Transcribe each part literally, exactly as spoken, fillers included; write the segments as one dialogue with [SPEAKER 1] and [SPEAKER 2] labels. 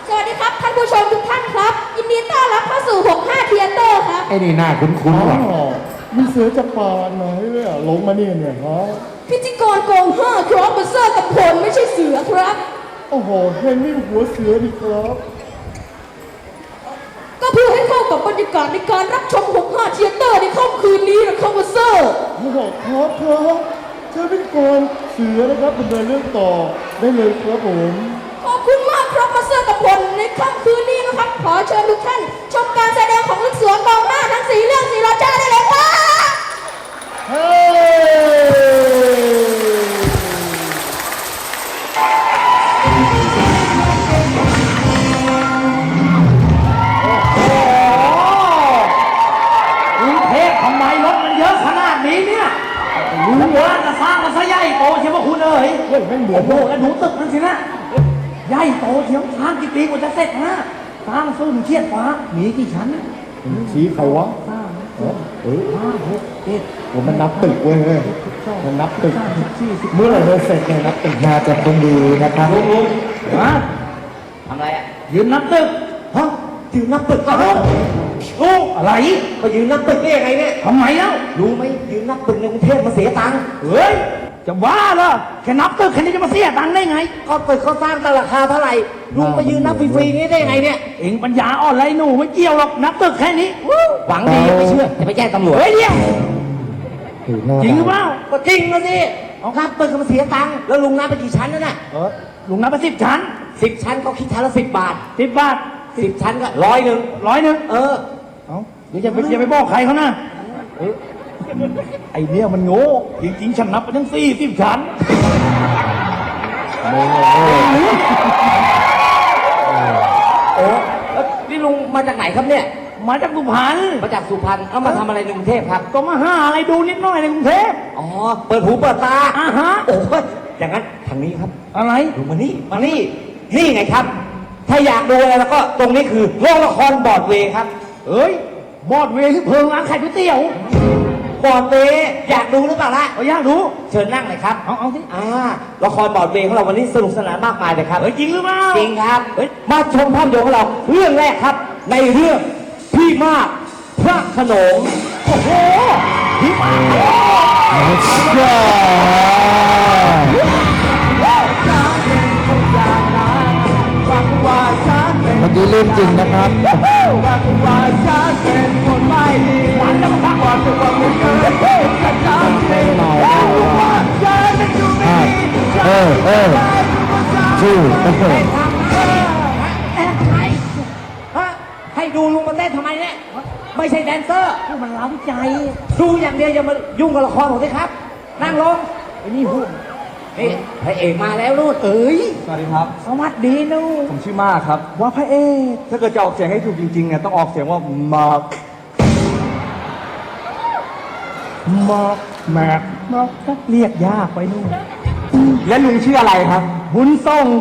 [SPEAKER 1] สวัสดีครับท่านผู้ชมทุกท่านครับยินดีต้อนรับเข้าสู่หกสิบห้าเทียเตอร์ครับ
[SPEAKER 2] ไอ้นี่หน้าคุ้นๆว่ะ
[SPEAKER 3] มีเสือจากป่าไหนเนี่ยลงมาเนี่ยเนี่ยฮะ
[SPEAKER 1] พิธีกรโกงห้าครับมาเซอร์กับผลไม่ใช่เสือครับ
[SPEAKER 3] โอ้โหเห็นนี่หัวเสือดีครับ
[SPEAKER 1] ก็เพื่อให้เข้ากับบรรยากาศในการรับชมหกสิบห้าเทียเตอร์ในค่ำคืนนี้นะครับมาเซอร์
[SPEAKER 3] โอ้โหครับครับเชิญพิธีกรเสือนะครับดำเนินเรื่องต่อได้เลยครับผม
[SPEAKER 1] ขอบคุณมากครับมาเซอร์กับผลในค่ำคืนนี้นะครับขอเชิญทุกท่านชมการแสดงของลูกเสือกองหน้าทั้งสี่เรื่องสี่ราชาได้เลยครับ
[SPEAKER 3] เฮ้
[SPEAKER 2] กรุงเทพทำไมรถมันเยอะขนาดนี้เนี่ยรู้ว่าจะสร้างมันซะใหญ่โตเชียวว่าคุณเอ๋ย
[SPEAKER 3] เฮ้ยไม่เหมือ
[SPEAKER 2] โอ้
[SPEAKER 3] น
[SPEAKER 2] โหแล้วดูตึกนั่นสินะใหญ่โตเชียวสร้างกี่ปีกว่าจะเสร็จฮะสร้างสู้เชียดฟ้ามีกี่ชั้น
[SPEAKER 3] ชี้ใครวะ
[SPEAKER 2] สร้าง
[SPEAKER 3] เออ
[SPEAKER 2] ห้าหกเจ็ด
[SPEAKER 3] ผมมันนับตึกเว้ยมันนับตึกเมื่อไหร่จะเสร็จเนี่ยนับตึก
[SPEAKER 2] น่าจะต้องดีนะครับลุงลุงฮะทำไรอ่ะยืนนับตึกฮะยืนนับตึกก็รู้รู้อะไร
[SPEAKER 4] มายืนนับตึกได้ยังไงเนี่ย
[SPEAKER 2] ทำไมเล่า
[SPEAKER 4] รู้ไหมยืนนับตึกในกรุงเทพมาเสียตังค์
[SPEAKER 2] เฮ้ยจะว่าเหรอแค่นับตึกแค่นี้จะมาเสียตังค์ได้ไง
[SPEAKER 4] ก็ตึกเขาสร้างแต่ราคาเท่าไหร่ลุงมายืนนับฟรีๆนี้ได้ยังไงเนี่ย
[SPEAKER 2] เอ็งปัญญาอ่อนไรหนูไม่เกี่ยวหรอกนับตึกแค่นี้
[SPEAKER 4] หวังดีไม่เชื่อจะไปแจ้งตำรวจ
[SPEAKER 2] เฮ้ยเดี๋ยวจริงหรือเปล่า
[SPEAKER 4] ก็จริงนะสินับตึกมาเสียตังค์แล้วลุงนับไปกี่ชั้นนั่นน่ะ
[SPEAKER 2] เออลุงนับไปสิบชั้น
[SPEAKER 4] สิบชั้นเขาคิดชั้นละสิบบาท
[SPEAKER 2] สิบบาท
[SPEAKER 4] สิบชั้นก็ร้อยหนึ่ง
[SPEAKER 2] ร้อยหนึ่ง
[SPEAKER 4] เออ
[SPEAKER 2] เอาเดี๋ยวจะไปอย่าไปบอกใครเขานะไอเนี่ยมันโง่จริงๆฉันนับไปทั้งสี่สิบชั้น
[SPEAKER 4] โอ้นี่ลุงมาจากไหนครับเนี่ย
[SPEAKER 2] มาจากสุพรรณ
[SPEAKER 4] มาจากสุพรรณเอามาทำอะไรในกรุงเทพครับ
[SPEAKER 2] ก็มาหาอะไรดูนิดหน่อยในกรุงเทพ
[SPEAKER 4] อ๋อเปิดหูเปิดตา
[SPEAKER 2] อ่าฮะ
[SPEAKER 4] โอ้ยอย่างนั้นทางนี้ครับ
[SPEAKER 2] อะไร
[SPEAKER 4] ดูมานี่มานี่นี่ไงครับถ้าอยากดูอะไรแล้วก็ตรงนี้คือโรงละครบอร์ดเวย์ครับ
[SPEAKER 2] เอ้ยบอร์ดเวย์ที่เพิงร้านขายก๋วยเตี๋ยว
[SPEAKER 4] บอร์ดเวย์อยากดูหรือเปล่าล่ะ
[SPEAKER 2] อยากดู
[SPEAKER 4] เชิญนั่งเลยครับ
[SPEAKER 2] เอาเอาสิ
[SPEAKER 4] อ่าละครบอร์ดเวย์ของเราวันนี้สนุกสนานมากมายเลยครับ
[SPEAKER 2] เฮ้ยจริงหรือเปล่า
[SPEAKER 4] จริงครับมาชมภาพยนตร์ของเราเรื่องแรกครับในเรื่องพี่มากพระโขนง
[SPEAKER 2] โอ้โหพี่มาก
[SPEAKER 3] เมื่อกี้เล่นจริงนะครับเออเออชื่อเออ
[SPEAKER 4] ให้ดูลุงมาเต้นทำไมเนี่ยไม่ใช่แดนเซอร์
[SPEAKER 2] มันเล้าใจ
[SPEAKER 4] ดูอย่างเดียวอย่ามายุ่งกับละครผมสิครับนั่งลง
[SPEAKER 2] ไอ้นี่พูด
[SPEAKER 4] นี่พระเอกมาแล้วนู่น
[SPEAKER 2] เอ้ย
[SPEAKER 3] สวัสดีครับ
[SPEAKER 2] สวัสดีนู่น
[SPEAKER 3] ผมชื่อมากครับ
[SPEAKER 2] ว่าพระเอก
[SPEAKER 3] ถ้าเกิดจะออกเสียงให้ถูกจริงๆเนี่ยต้องออกเสียงว่ามาร์ค
[SPEAKER 2] มาร์คแม็กมาร์คเรียกยากไปนู่น
[SPEAKER 3] และลุงชื่ออะไรครับ
[SPEAKER 2] บุญส่ง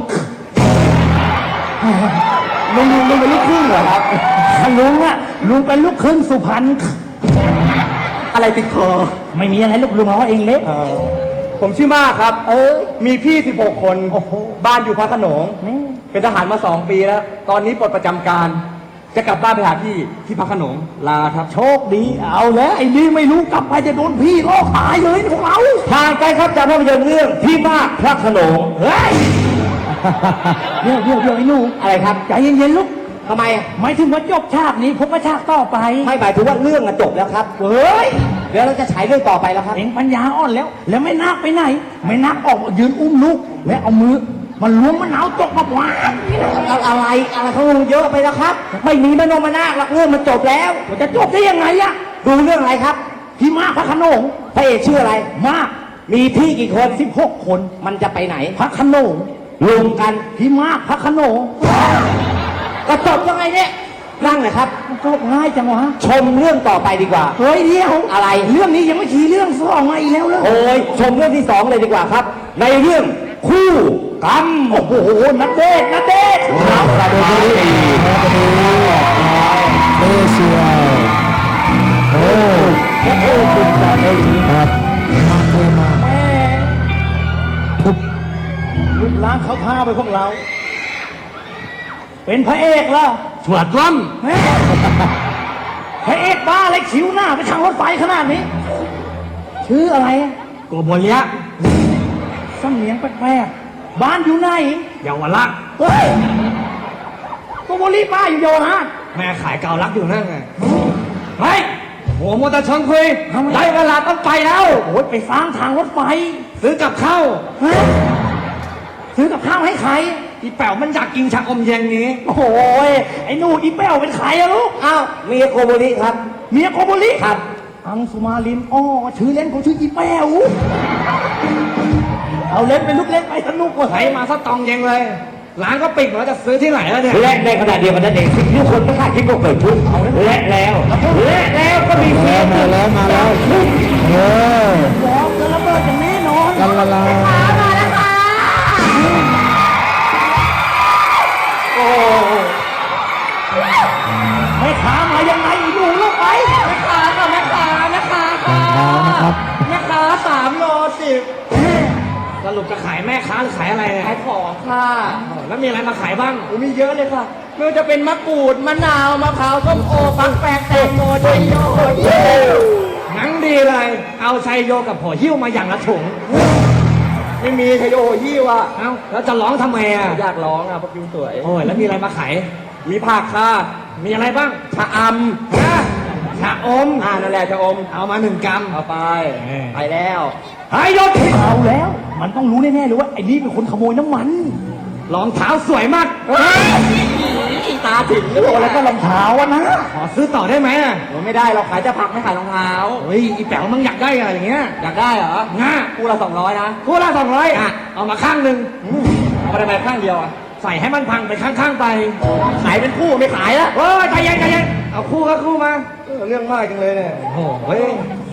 [SPEAKER 3] ลุงลุงลุงเป็นลูกครึ่งเหรอครับ
[SPEAKER 2] ลุงอะลุงเป็นลูกครึ่งสุพรรณ
[SPEAKER 3] อะไรติดคอ
[SPEAKER 2] ไม่มีอะไรลูกลุงเอาเองเล็ก
[SPEAKER 3] ผมชื่อมากครับ
[SPEAKER 2] เออ
[SPEAKER 3] มีพี่สิบหกคนบ้านอยู่พระโขนงเป็นทหารมาสองปีแล้วตอนนี้ปลดประจำการจะกลับบ้านไปหาพี่ที่พระโขนงลาครับ
[SPEAKER 2] โชคดีเอาแล้วไอ้นี่ไม่รู้กลับไปจะโดนพี่ลอกตายเลยพวกเรา
[SPEAKER 4] ทางไปครับจากภาพยนตร์เรื่องพี่มากพระโขนง
[SPEAKER 2] เฮ้ยเดี๋ยวเดี๋ยวเดี๋ยวไอ้หนู
[SPEAKER 4] อะไรครับ
[SPEAKER 2] ใจเย็นๆลูก
[SPEAKER 4] ทำไม
[SPEAKER 2] หมายถึงว่าจบฉากนี้ผมก็ฉากต่อไป
[SPEAKER 4] ไม่หมายถึงว่าเรื่องจบแล้วครับ
[SPEAKER 2] เฮ้ย
[SPEAKER 4] เดี๋ยวเราจะฉายเรื่องต่อไปแล้วครับ
[SPEAKER 2] เอ็งปัญญาอ่อนแล้วแล้วไม่นักไปไหนไม่นักออกยืนอุ้มลูกและเอามือมันล้วงมะนาวจกมาหวาน
[SPEAKER 4] อะไรอะไรเขาลงเยอะไปแล้วครับไม่มีมโนมนาหลักเรื่องมันจบแล้ว
[SPEAKER 2] มันจะจบได้ยังไงอะ
[SPEAKER 4] ดูเรื่องอะไรครับ
[SPEAKER 2] พี่มากพระโขนง
[SPEAKER 4] พระเอกชื่ออะไร
[SPEAKER 2] มาก
[SPEAKER 4] มีพี่กี่คน
[SPEAKER 2] สิบหกคน
[SPEAKER 4] มันจะไปไหน
[SPEAKER 2] พระโขนง
[SPEAKER 4] รวมกัน
[SPEAKER 2] พี่มากพระโขนง
[SPEAKER 4] ก็จบยังไงเนี่ยนั่งเลยครับ
[SPEAKER 2] จบง่ายจังวะ
[SPEAKER 4] ชมเรื่องต่อไปดีกว่า
[SPEAKER 2] เฮ้ยเดียว
[SPEAKER 4] อะไร
[SPEAKER 2] เรื่องนี้ยังไม่ชี้เรื่องสองมาอีกแล้วเลย
[SPEAKER 4] โอ้ยชมเรื่องที่สองเลยดีกว่าครับในเรื่องคู่กรรม
[SPEAKER 2] โอ้โหนัดเดทนัดเดท
[SPEAKER 3] ครับสวัสดีครับสวัสดีเอเชียโอ้โหคุณจัดเลยครับมาเทมา
[SPEAKER 2] แม่ทุบลูกล้างเขาพาไปพวกเรา
[SPEAKER 4] เป็นพระเอกเหรอ
[SPEAKER 3] สวดล้
[SPEAKER 4] แม่พระเอกบ้าอะไรคิ้วหน้าไปทางรถไฟขนาดนี้ ชื่ออะไร
[SPEAKER 3] ำโกโบเลีย
[SPEAKER 4] สำเนียงแปลกๆบ้านอยู่ไหน
[SPEAKER 3] เยาวราช
[SPEAKER 4] เฮ้ยโกโบลีป้าอยู่โยนะ
[SPEAKER 3] แม่ขายเกาลักอยู่นั่นไงเฮ้ยหัวมอเตอร์ชนคุยได้เวลาต้องไปแล้ว
[SPEAKER 4] โอ้ยไปสร้างทางรถไฟ
[SPEAKER 3] ซื้อกับข้าว
[SPEAKER 4] ฮะซื้อกับข้าวให้ใคร
[SPEAKER 3] อีแป๋วมันอยากกินชาอมเย็นนี้
[SPEAKER 4] โอ้โหยไอ้หนูอีแป้วเป็นใครอะลูก
[SPEAKER 2] อ้าวเมียโกโบริครับ
[SPEAKER 4] เมียโกโบลี
[SPEAKER 2] ครับ
[SPEAKER 4] อังสุมาลินอ้อชื่อเล่นเขาชื่ออีแป้วเอาเล่นเป็นลูกเล่นไปสนุกกว่า
[SPEAKER 3] ไหลมาซะตองเย็นเลย ร้านก็ปิดแล้วจะซื้อที่ไหนแล้วเนี่ย
[SPEAKER 2] และในขณะเดียวกันนั่นเองสิ่งที่ทุกคนไม่คาดคิดก็เกิดขึ้นและแล้วและแล้วก็มีเสียง
[SPEAKER 3] มาแล้วมาแล้วเออ
[SPEAKER 4] วอร์มจะระเบิดอย่างแน่นอน
[SPEAKER 3] ลาลาลา
[SPEAKER 1] มาแล้วค่ะ
[SPEAKER 4] โอ้ไม่ขามายังไงอีหนูลูกไป
[SPEAKER 1] แม่ค้าค่ะแม่ค้าแม่ค้าค่ะ
[SPEAKER 3] นะครับ
[SPEAKER 1] แม่ค้าสามโลสิบ
[SPEAKER 3] สรุปจะขายแม่ค้าหรือขายอะไรเนี่ย
[SPEAKER 1] ขายของค่ะ
[SPEAKER 3] แล้วมีอะไรมาขายบ้าง
[SPEAKER 1] โอ้มีเยอะเลยค่ะไม่ว่าจะเป็นมะกรูดมะนาวมะพร้าวส้มโอฟักแฟกแตงโมไชโยเย้
[SPEAKER 3] งั้นดีเลย เอาชัยโยกับหัวหิ้วมาอย่างละถุง
[SPEAKER 1] ไม่มีไชโยยี่ว่ะ
[SPEAKER 3] เอ้าแล้วจะร้องทำไมอ่ะ
[SPEAKER 1] อยากร้องอ่ะเพราะคิวสวย
[SPEAKER 3] โอ้ยแล้วมีอะไรมาขาย
[SPEAKER 1] มีผักค่ะ
[SPEAKER 3] มีอะไรบ้าง
[SPEAKER 1] ชะอ
[SPEAKER 3] นะชาอม
[SPEAKER 1] ำอ่านั่นแหละชะอม
[SPEAKER 3] เอามาหนึ่งกรัม
[SPEAKER 1] เอาไป
[SPEAKER 3] เออ
[SPEAKER 1] ไปแล้ว
[SPEAKER 3] หายยศ
[SPEAKER 4] เอาแล้ว มันต้องรู้แน่ๆเลยว่าไอ้นี่เป็นคนขโมยน้ำมัน
[SPEAKER 3] รองเท้าสวยมาก
[SPEAKER 1] เฮ้ยตาถึง
[SPEAKER 4] โอ้แล้วก็รองเท้าอะนะ
[SPEAKER 3] ขอซื้อต่อได้ไหมอ่ะ
[SPEAKER 1] โอ้ไม่ได้เราขายแต่ผักไม่ขายรองเท้า
[SPEAKER 3] เฮ้ยอีแป๋วมึงอยากได้อะไรอย่างเงี้ย
[SPEAKER 1] อยากได้เหรอ
[SPEAKER 3] ง่า
[SPEAKER 1] คู่ละสองร้อยนะ
[SPEAKER 3] คู่ละสองร้อยอ่ะเอามาข้างหนึ่ง
[SPEAKER 1] เอาไปทำไมข้างเดียวอ่ะ
[SPEAKER 3] ใส่ให้มันพังไปข้างๆไป
[SPEAKER 1] ขายเป็นคู่ไม่ขายละ
[SPEAKER 3] โอ้ยใจเย็นใจเย็นเอาคู่ก็คู่มา
[SPEAKER 1] เออเรื่องมากจังเลยเนี่ย
[SPEAKER 3] โอ้โหเฮ้ย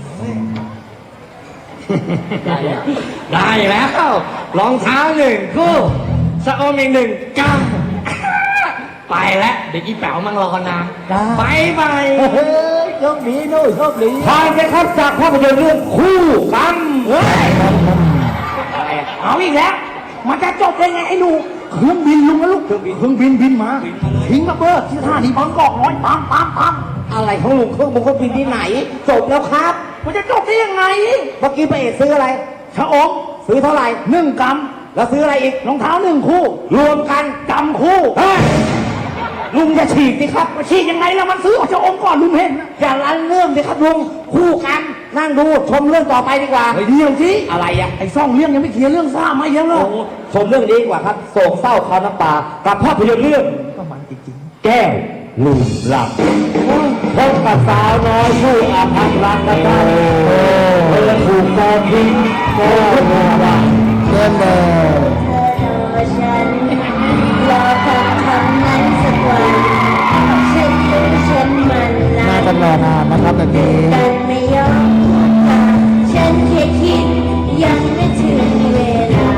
[SPEAKER 3] ได้แล้วรองเท้าหนึ่งคู่สะอมอีกหนึ่งกำไปแล้วเด็กอีแป๋วมังรอนานบายบาย
[SPEAKER 4] เฮ้ยโชคดีนู่นโชคดี
[SPEAKER 2] ผ่านไปครับจากภาพยนตร์เรื่องคู่กัน
[SPEAKER 4] เฮ้ยเอาอีกแล้ว มันจะจบได้ไงไอ้หนูเครื่องบินลุงนะลูกเครื่องบินเครื่องบินบินมาทิ้งระเบิดที่ท่านี้บางกอกน้อยปังปังปัง
[SPEAKER 2] อะไรของลุงเครื่องบุกเครื่องบินที่ไหน จบแล้วครับ
[SPEAKER 4] มันจะจบได้ยังไง
[SPEAKER 2] เมื่อกี้พระเอกซื้ออะไร
[SPEAKER 4] ชะอม
[SPEAKER 2] ซื้อเท่าไหร่
[SPEAKER 4] หนึ่งกรัม
[SPEAKER 2] แล้วซื้ออะไรอีก
[SPEAKER 4] รองเท้าหนึ่งคู่
[SPEAKER 2] รวมกัน
[SPEAKER 4] กำคู่
[SPEAKER 2] เฮ้ย
[SPEAKER 4] ลุงจะฉีกดิครับมาฉีกยังไงแล้วมันซื้อของชะอมก่อนลุงเห็นนะ
[SPEAKER 2] อย่าลันเรื่องสิครับลุงคู่กัน นั่งดูชมเรื่องต่อไปดีกว่า
[SPEAKER 4] เฮ้ยเดี๋ยวสิ
[SPEAKER 2] อะไรอ่ะ
[SPEAKER 4] ไอ้ซ่องเรื่องยังไม่เคลียร์เรื่องซ่ามาเยอะเลย
[SPEAKER 2] ชมเรื่องนี้ดีกว่าครับโศกเศร้าคราวน้ำตากับภาพยนตร์เรื่อง
[SPEAKER 4] ก็มันจริง
[SPEAKER 2] แก้วลืมหลับพบกับสาวน้อยผู้อาภัพรักนะครับเธอถูกกองทิ้งโกงว่า
[SPEAKER 3] เล่นเลย
[SPEAKER 5] รอฉันรอคำคำนั้นสักวันฉันรู้ฉันมันลา
[SPEAKER 3] น่าจะรอนานนะครับแบบนี้
[SPEAKER 5] กันไม่ยอมพูดมาฉันแค่คิดยังไม่ถึงเวลา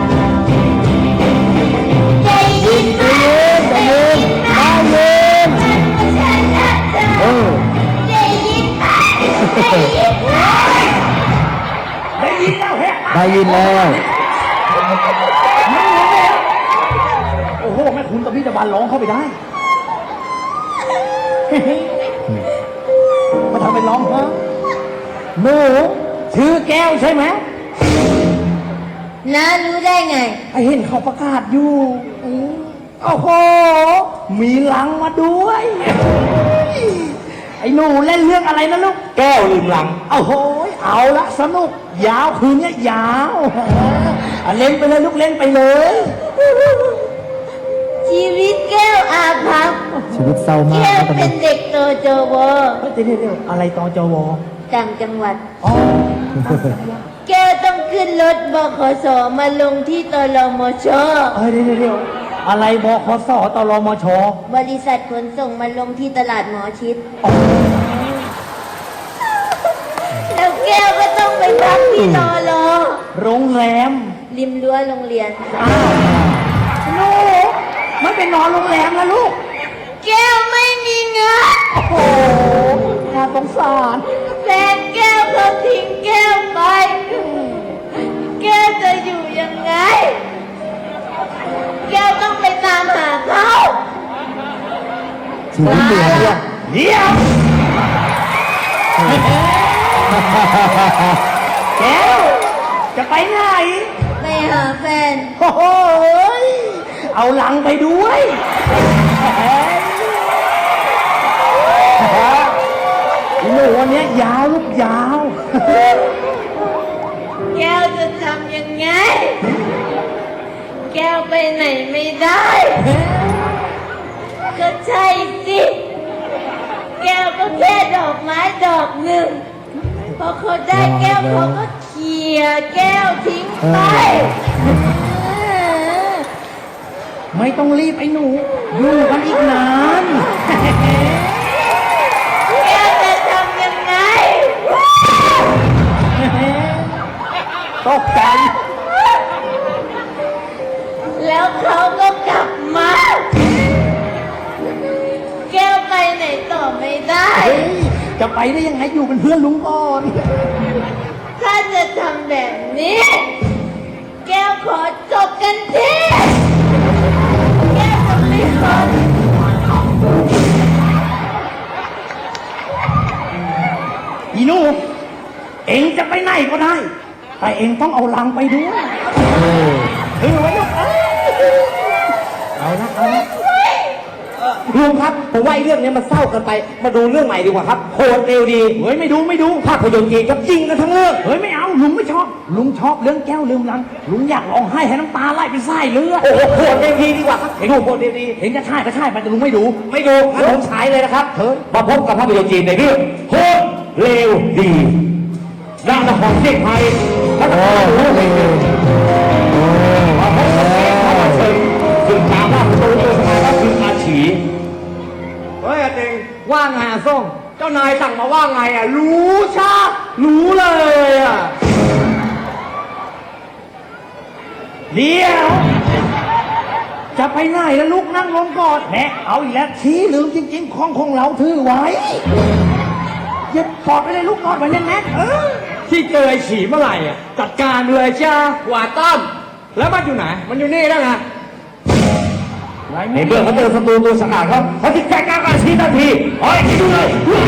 [SPEAKER 5] ได้ยินไหมได้ยินไหมฉันว่าฉันรักเธอได้ยินไหมได้ยินไหม
[SPEAKER 4] ๆได้ยินแล้วแฮะ
[SPEAKER 3] ได้ยินแล้ว
[SPEAKER 4] มันงงเลยอะโอ้โหแม่คุณกับพี่ตะบันร้องเข้าไปได้ มาทำเป็นร้องฮะหนูชื่อแก้วใช่ไหม
[SPEAKER 5] น้ารู้ได้ไง
[SPEAKER 4] ไอเห็นเขาประกาศอยู่อืมโอ้โห มีลังมาด้วย ไอ้หนูเล่นเรื่องอะไรนะลูก
[SPEAKER 2] แก้วลืมหลัง
[SPEAKER 4] โอ้โห เอาละสนุก ยาวคืนนี้ยาวอ่ะเล่นไปเลยลูกเล่นไปเลย
[SPEAKER 5] ชีวิตแก้วอาภัพ
[SPEAKER 3] ชีวิตเศร้ามาก
[SPEAKER 5] แก้ว
[SPEAKER 3] นะตอน
[SPEAKER 5] เป็
[SPEAKER 3] นี้
[SPEAKER 5] นเด็กโตโจว
[SPEAKER 4] เฮ้ยเดี๋ยวเดี๋ยวอะไรตอจว
[SPEAKER 5] ต่างจังหวัด
[SPEAKER 4] อ๋อ
[SPEAKER 5] แก้วต้องขึ้นรถบขสมาลงที่ตลมช
[SPEAKER 4] เอ้ยเดี๋ยวเดี๋ยวเดี๋ยวอะไรบคสตรมช
[SPEAKER 5] บริษัทขนส่งมาลงที่ตลาดหมอชิด แล้วแก้วก็ต้องไปพักที่นอรอ
[SPEAKER 4] โรงแรม
[SPEAKER 5] ริมรั้วโรงเรียน
[SPEAKER 4] อ้าวหนูไม่ไปนอนโรงแรมแล้วลูก
[SPEAKER 5] แก้วไม่มีเงิน
[SPEAKER 4] โอ้โหน่าสงสาร
[SPEAKER 5] แฟนแก้วเขาทิ้งแก้วไป แก้วจะอยู่ยังไง แก้วต้องไปตามหาเขา
[SPEAKER 4] อ
[SPEAKER 5] สีเหลืองเนี่ย
[SPEAKER 4] เดี๋ยวแก้วจะไปไหน
[SPEAKER 1] ไปหาแฟน
[SPEAKER 4] โอ้โหยเอาลังไปด้วยหนูวันนี้ยาวลูกยาว
[SPEAKER 1] แก้วจะทำยังไง แก้วไปไหนไม่ได้ ก็ใช่สิ แก้วก็แค่ดอกไม้ดอกหนึ่ง พอเขาได้แก้วเขาก็เขี่ยแก้วทิ้งไป
[SPEAKER 4] ไม่ต้องรีบไอ้หนูอยู่กันอีกนาน
[SPEAKER 1] แก้วจะทำยังไง
[SPEAKER 4] ตกใจ
[SPEAKER 1] แล้วเขาก็กลับมา แก้วไปไหนต่อไม่ได้
[SPEAKER 4] เฮ้ยจะไปได้ยังไงอยู่เป็นเพื่อนลุงก่อน
[SPEAKER 1] ถ้าจะทำแบบนี้ แก้วขอจบกันทีแก้วจะไม่ขอ
[SPEAKER 4] อีหนูเองจะไปไหนก็ได้ แต่เองต้องเอาลังไปด้วยถือไว้ลูกเอ้ยเอาละเอาละ
[SPEAKER 2] ลุงครับผมว่าไอ้เรื่องนี้มันเศร้าเกันไป มาดูเรื่องใหม่ดีกว่าครับโหดเร็วดี
[SPEAKER 4] เฮ้ยไม่ดูไม่ดู
[SPEAKER 2] ภาพยนตร์จีนครับจริงกันทั้งเรื่อง
[SPEAKER 4] เฮ้ยไม่เอาลุงไม่ชอบ ลุงชอบเรื่องแก้วลืมลัง ลุงอยากร้องไห้ให้น้ำตาไหลเป็นไส้เลือด
[SPEAKER 2] โอ้โหโหดเร็วดีดีกว่าครับดูโหดเร็วดี
[SPEAKER 4] เห็นจะใช่ก็ใช่ไปแต่ลุงไม่ดู
[SPEAKER 2] ไม่ดูงั้นผมฉายเลยนะครับมาพบกับภาพยนตร์จีนในเรื่องโหดเร็วดีด้านนครเซี่ยงไฮ้และนครหูเฮงมาพบกับเอกเขามาเชิญซึ่งตามว่าตัวตัวสมัยก็คืออาฉี
[SPEAKER 3] เฮ้ยอาเต็งว่าไงอะส้มเจ้านายสั่งมาว่าไงอะรู้ชารู้เลยอะ
[SPEAKER 4] เดี๋ยวจะไปไหนแล้วลูกนั่งลงก่อนแหมเอาอีกแล้วชี้ลืมจริงๆของของเราถือไว้เย็บปอดไปเลยลูกนอนไว้แน่นๆเออ
[SPEAKER 3] ที่เจอไอ้ฉีเมื่อไหร่อะจัดการเลยจ้ากว่าต้อมแล้วมันอยู่ไหน มันอยู่นี่แล้วไง
[SPEAKER 2] ในเมื่อเขาเจอศัตรูตัวสงัดครับเขาจึงแก้กล้าชี้ทันทีเฮ้ยดูเลย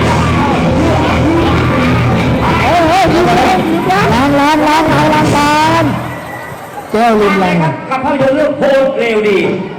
[SPEAKER 5] เฮ้ยเฮ้ยลืมล้างล้างล้างล้างล้างกันแก้วลืมล้าง
[SPEAKER 2] ครับกับภาพยนตร์เรื่องโหดเร็วดี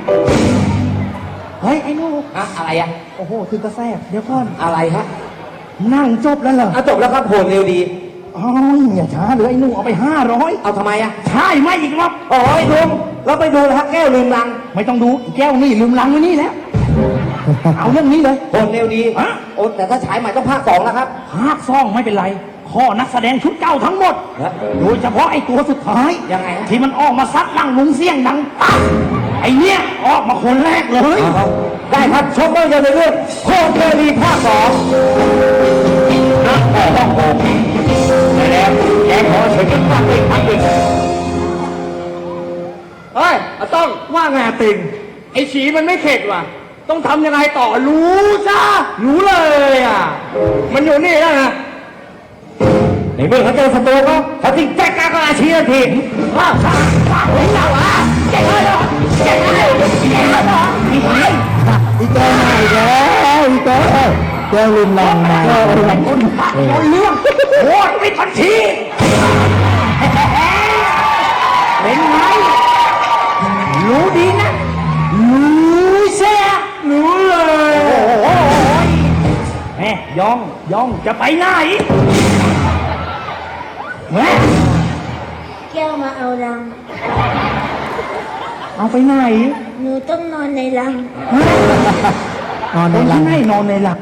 [SPEAKER 4] เฮ้ยไอ้หนู
[SPEAKER 2] อะอะไรอะ
[SPEAKER 4] โอ้โหถึงกระแทกเดี๋ยวก่อน
[SPEAKER 2] อะไรฮะ
[SPEAKER 4] นั่งจบแล้วเหรอ
[SPEAKER 2] อ่ะจบแล้วครับโหดเร็วดี
[SPEAKER 4] อ๋ออย่าช้าเลยไอ้หนูเอาไปห้าร้อย
[SPEAKER 2] เอาทำไมอะ
[SPEAKER 4] ใช่ไหมอีกรอบ
[SPEAKER 2] โอ้ยลุงเราไปดูนะฮะแก้วลืมลัง
[SPEAKER 4] ไม่ต้องดูอีแก้วนี่ลืมลังไว้นี่แล้ว เอาเรื่องนี้เลย
[SPEAKER 2] โหดเร็วดี
[SPEAKER 4] ฮะ
[SPEAKER 2] โอ้แต่ถ้าฉายใหม่ต้องภาคสองนะครับ
[SPEAKER 4] ภาคซ่องไม่เป็นไรข้อนักแสดงชุดเก่าทั้งหมด
[SPEAKER 2] ฮะ
[SPEAKER 4] โดยเฉพาะไอ้ตัวสุดท้าย
[SPEAKER 2] ยังไงฮะ
[SPEAKER 4] ที่มันออกมาซัดนั่งลุงเสี่ยงดังปั๊บไอ้เนี้ยออกมาคนแรกเลย
[SPEAKER 2] เอาได้ครับชมภาพยนตร์ในเรื่องโหดเร็วดีภาคสองนักแต่ต้องโหดแต่แล้วแกขอเชิญกันฟังอีกครั้งหนึ่ง
[SPEAKER 3] เฮ้ยอาต้องว่าไงอาติงไอ้ฉีมันไม่เข็ดว่ะ ต้องทำยังไงต่อรู้จ้ารู้เลยอะมันอยู่นี่แล้วนะ
[SPEAKER 2] ในเมื่อเขาเจอศัตรูเขาเขาจึงแก้กล้าชี้ทันทีว้าวว้าวว้าวว้าวเก่งเลยเก่งเลยเก่งเลยมีไหม
[SPEAKER 5] อีแก้วมาอีกแล้วอีแก้วแก้วลืมล้างมา
[SPEAKER 4] คนคนเรื่องโอ้ยไม่ทันทีเป็นไงรู้ดีนะรู้เสีย
[SPEAKER 3] รู้เลย
[SPEAKER 4] โอ้ยแม่ย่องย่องจะไปไหนแม่
[SPEAKER 1] แก้วมาเอารัง
[SPEAKER 4] เอาไปไหน
[SPEAKER 1] หนูต้องนอนในรัง
[SPEAKER 5] นอน
[SPEAKER 4] ค
[SPEAKER 5] ใน
[SPEAKER 4] น
[SPEAKER 5] ล้า
[SPEAKER 4] ที่
[SPEAKER 5] ง
[SPEAKER 4] ให้นอนในหลัก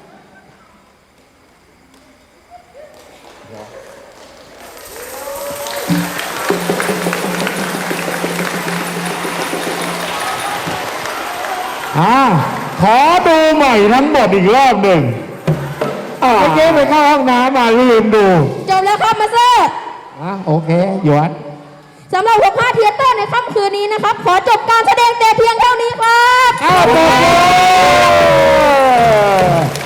[SPEAKER 5] อ่าขอดูใหม่ทั้งหมดอีกรอบหนึ่งเมื่อกี้ไปเข้าห้องน้ำมาลืมดู
[SPEAKER 1] จบแล้วครับมาสเตอร์
[SPEAKER 5] อ่ะโอเคหยวน
[SPEAKER 1] สำหรับหกห้าเทียเตอร์ในค่ำคืนนี้นะครับ ขอจบการแสดงแต่เพียงเท่านี้ครับ
[SPEAKER 5] อ้าวโอเค